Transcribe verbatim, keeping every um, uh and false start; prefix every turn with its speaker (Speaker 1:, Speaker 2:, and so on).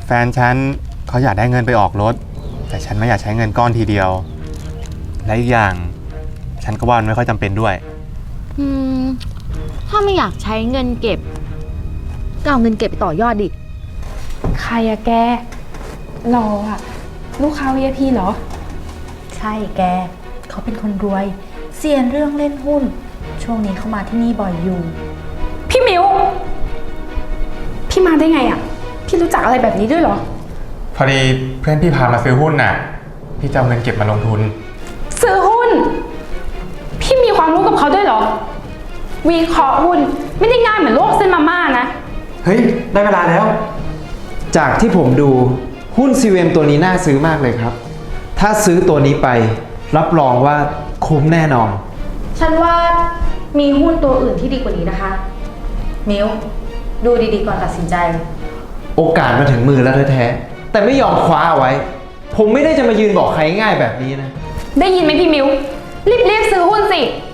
Speaker 1: แฟนฉันเขาอยากได้เงินไปออกรถแต่ฉันไม่อยากใช้เงินก้อนทีเดียวและอีกอย่างฉันก็ว่ามันไม่ค่อยจำเป็นด้วย
Speaker 2: อืมถ้าไม่อยากใช้เงินเก็บก็เอาเงินเก็บไปต่อยอดดิ
Speaker 3: ใครอะแกรออะลูกค้า วี ไอ พี เหรอ
Speaker 4: ใช่แกเขาเป็นคนรวยเซียนเรื่องเล่นหุ้นช่วงนี้เขามาที่นี่บ่อยอยู่
Speaker 3: พี่มิวพี่มาได้ไงอะพี่รู้จักอะไรแบบนี้ด้วยเหรอ
Speaker 1: พอดีเพื่อนพี่พามาซื้อหุ้นน่ะพี่จะเอาเงินเก็บมาลงทุน
Speaker 3: ซื้อหุ้นพี่มีความรู้กับเขาด้วยเหรอวิเคราะห์หุ้นไม่ได้ง่ายเหมือนโลกเส้นมาม่านะ
Speaker 5: เฮ้ยได้เวลาแล้วจากที่ผมดูหุ้น ซี วี เอ็ม ตัวนี้น่าซื้อมากเลยครับถ้าซื้อตัวนี้ไปรับรองว่าคุ้มแน่นอน
Speaker 4: ฉันว่ามีหุ้นตัวอื่นที่ดีกว่านี้นะคะมิวดูดีๆก่อนตัดสินใจ
Speaker 5: โอกาสมาถึงมือแล้วแท้ๆแต่ไม่ยอมคว้าเอาไว้ผมไม่ได้จะมายืนบอกใครง่ายแบบนี้นะ
Speaker 3: ได้ยินไหมพี่มิวรีบๆซื้อหุ้นสิ